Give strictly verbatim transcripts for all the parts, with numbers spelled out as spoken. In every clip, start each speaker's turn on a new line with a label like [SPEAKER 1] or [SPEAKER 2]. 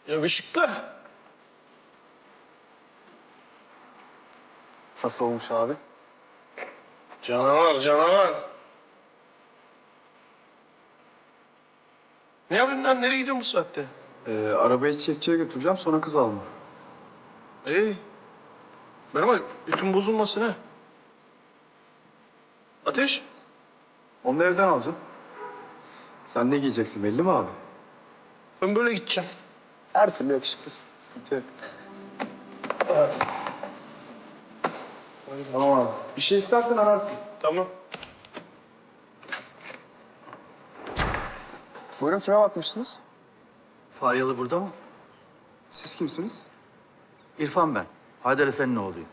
[SPEAKER 1] Yakışıklı.
[SPEAKER 2] Nasıl olmuş abi?
[SPEAKER 1] Canavar, canavar. Ne yapıyorsun lan? Nereye gidiyorsun bu saatte?
[SPEAKER 2] Ee, arabayı çiçekçiye götüreceğim, sonra kız alma.
[SPEAKER 1] İyi. Bana bak, ütün bozulmasın ha. Ateş.
[SPEAKER 2] Onu da evden alacağım. Sen ne giyeceksin belli mi abi?
[SPEAKER 1] Ben böyle gideceğim.
[SPEAKER 2] Her türlü yakışıklısın. Sıkıntı yok. Tamam abi. Bir şey istersen ararsın.
[SPEAKER 1] Tamam.
[SPEAKER 2] Buyurun, kime bakmışsınız?
[SPEAKER 3] Faryalı burada mı?
[SPEAKER 2] Siz kimsiniz?
[SPEAKER 3] İrfan ben. Haydar Efendi'nin oğluyum.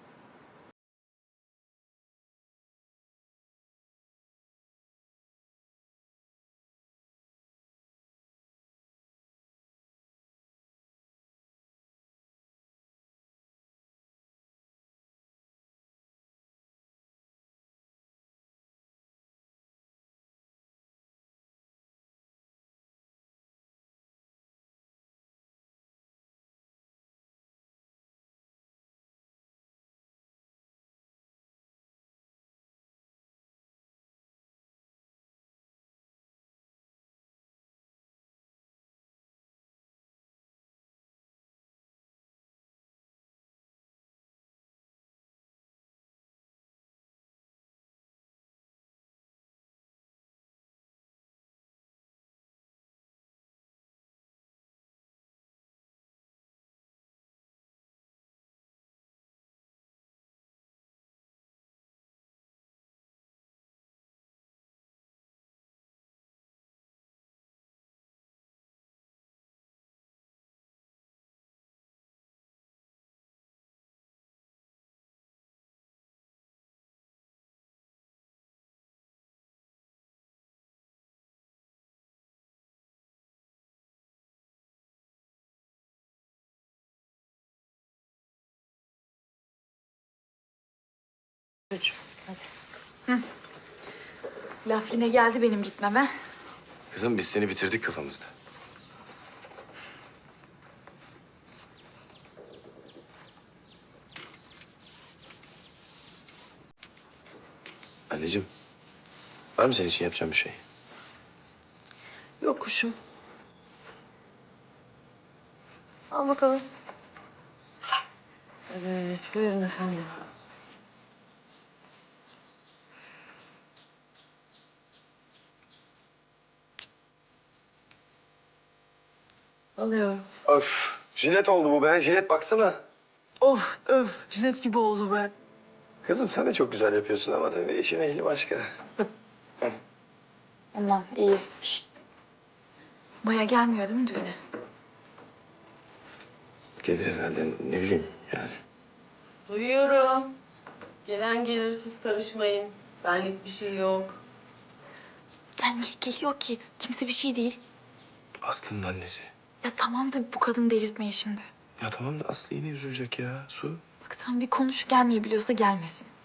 [SPEAKER 4] Hadi. Laf yine geldi benim gitmeme.
[SPEAKER 5] Kızım biz seni bitirdik kafamızda. Anneciğim, var mı senin için yapacağım bir şey?
[SPEAKER 6] Yok kuşum. Al bakalım. Evet, buyurun efendim. Alıyorum.
[SPEAKER 5] Öf, jilet oldu bu be. Jilet baksana.
[SPEAKER 6] Of, öf. Jilet gibi oldu be.
[SPEAKER 5] Kızım sen de çok güzel yapıyorsun ama tabii işin ehli başka.
[SPEAKER 4] Aman iyi. Şişt. Maya gelmiyor değil mi düğüne?
[SPEAKER 5] Gelir herhalde, ne bileyim yani.
[SPEAKER 6] Duyuyorum. Gelen gelir, siz karışmayın. Benlik bir şey yok.
[SPEAKER 4] Ya niye geliyor ki? Kimse bir şey değil.
[SPEAKER 5] Aslı'nın annesi.
[SPEAKER 4] Ya tamam da bu kadını delirtmeyin şimdi.
[SPEAKER 5] Ya tamam da Aslı yine üzülecek ya, Su.
[SPEAKER 4] Bak sen bir konuş, gelmeyi biliyorsa gelmesin.